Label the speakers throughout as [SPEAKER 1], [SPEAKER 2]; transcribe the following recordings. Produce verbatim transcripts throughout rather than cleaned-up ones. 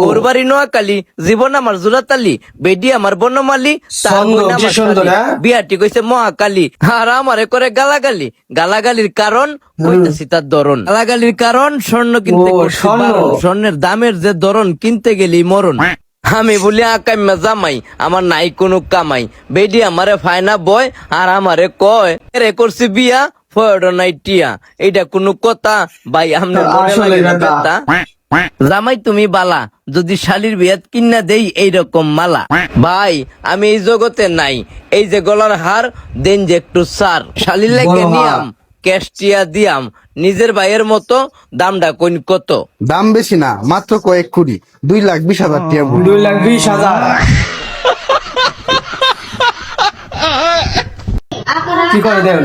[SPEAKER 1] ওর বাড়ি নোয়াখালী, জীবন আমার জোড়াতালি, বেডি আমার বনমালী, তার বোন আমার শালী। বিয়াটি কইছে মহাকালী, আর আমারে করে গালাগালি। গালাগালির কারণ কইতাছি তার ধরন। গালাগালির কারণ স্বর্ণ কিনতে করছি বারণ। স্বর্ণের দামের যে ধরন, কিনতে গেলি মরণ। আমি বলি আকাইমা জামাই, আমার নাই কোনো কামাই। বেডি আমারে ফায়না বয়, আর আমারে কয় রে করছি বিয়া, ফয়ডো নাই টিয়া। এইটা কোনো কথা ভাই? আপনার মনে লাগে না কথা? জামাই তুমি বালা, যদি শালির বিয়াত কিন্না দেই এইরকম মালা। ভাই আমি এই জগতে নাই, এই যে গলার হার দেন যে একটু সার। শালির লাগে নিয়াম ক্যাশ টিয়া দিয়াম, নিজের ভাইয়ের মতো দামটা কইন কত?
[SPEAKER 2] দাম বেশি না, মাত্র কয়েক কোটি, দুই লাখ বিশ হাজার টিয়া।
[SPEAKER 3] দুই লাখ বিশ হাজার কি করে দেন?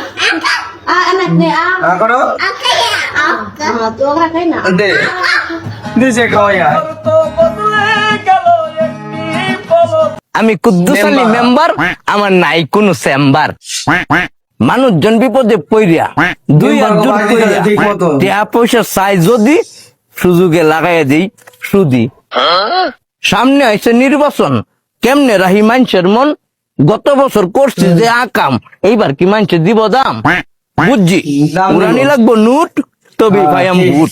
[SPEAKER 1] আমি কুদ্দুস আলী মেম্বার, আমার নাই কোনো চেম্বার। মানুষজন বিপদে পইরা দুই হাত জোর কইরা টাকা পয়সা চাই যদি, সুযোগে লাগাইয়া দেই সুদি। সামনে আইছে নির্বাচন, কেমনে রাহি মানুষের মন। গত বছর করছি যে আকাম, এইবার কি মানুষে দিব দাম? বুঝছি উড়ানি লাগবো নুট, তবে ভাই আমি বুট।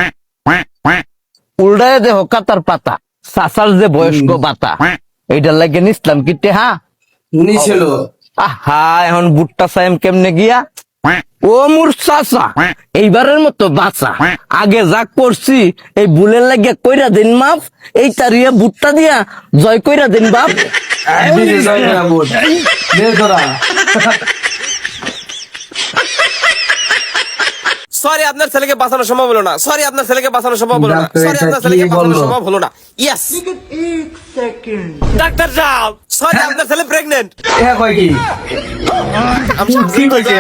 [SPEAKER 1] উল্টায় দেহ কাতার পাতা, সাসার যে বয়স্ক বাতা, এইটার লাগে নিসলাম কি টেহা
[SPEAKER 3] নিছিল।
[SPEAKER 1] আহা, এখন বুটটা সাইম কেমনে গিয়া। ও মুর চাচা, এইবারের মতো বাঁচা। আগে যা করছি এই বুলের লাগিয়া কইরা দিন মাফ, এই তারিয়া বুটটা দিয়া জয় কইরা দিন বাপ।
[SPEAKER 4] সরি আপনার ছেলেকে বাঁচানো সম্ভব হলো না। সরি আপনার ছেলেকে বাঁচানো সম্ভব হলো না। সরি আপনার ছেলেকে বাঁচানো সম্ভব হলো না। ইয়েস ডাক্তার সাহেব, সরি আপনার ছেলে প্রেগন্যান্ট।
[SPEAKER 3] এটা কয় কি?
[SPEAKER 4] আমি কি কইছি?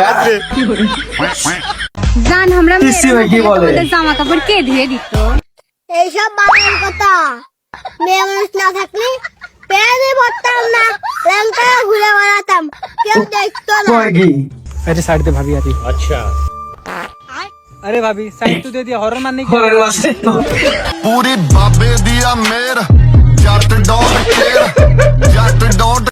[SPEAKER 5] জান আমরা
[SPEAKER 3] পিসি ভাই কি বলে?
[SPEAKER 5] জামা কাপড় কে ধুয়ে দিত?
[SPEAKER 6] এইসব বাবার কথা। মেয়ে মানুষ না থাকলে পেয়ে পড়তাম না, ল্যাংটা ঘুরে বেড়াতাম, কেউ দেখতো না।
[SPEAKER 3] কয় কি?
[SPEAKER 7] अरे साइड पे भाभी आती। अच्छा अरे भाभी साइड तो दे दिया, हॉरर मारने की।
[SPEAKER 3] ঘরের মাঝে
[SPEAKER 8] ਪੂਰੀ ਬਾਬੇ ਦੀ ਆ ਮੇਰ ਜੱਟ ਡੋਟ ਕੇਰ ਜੱਟ ਡੋਟ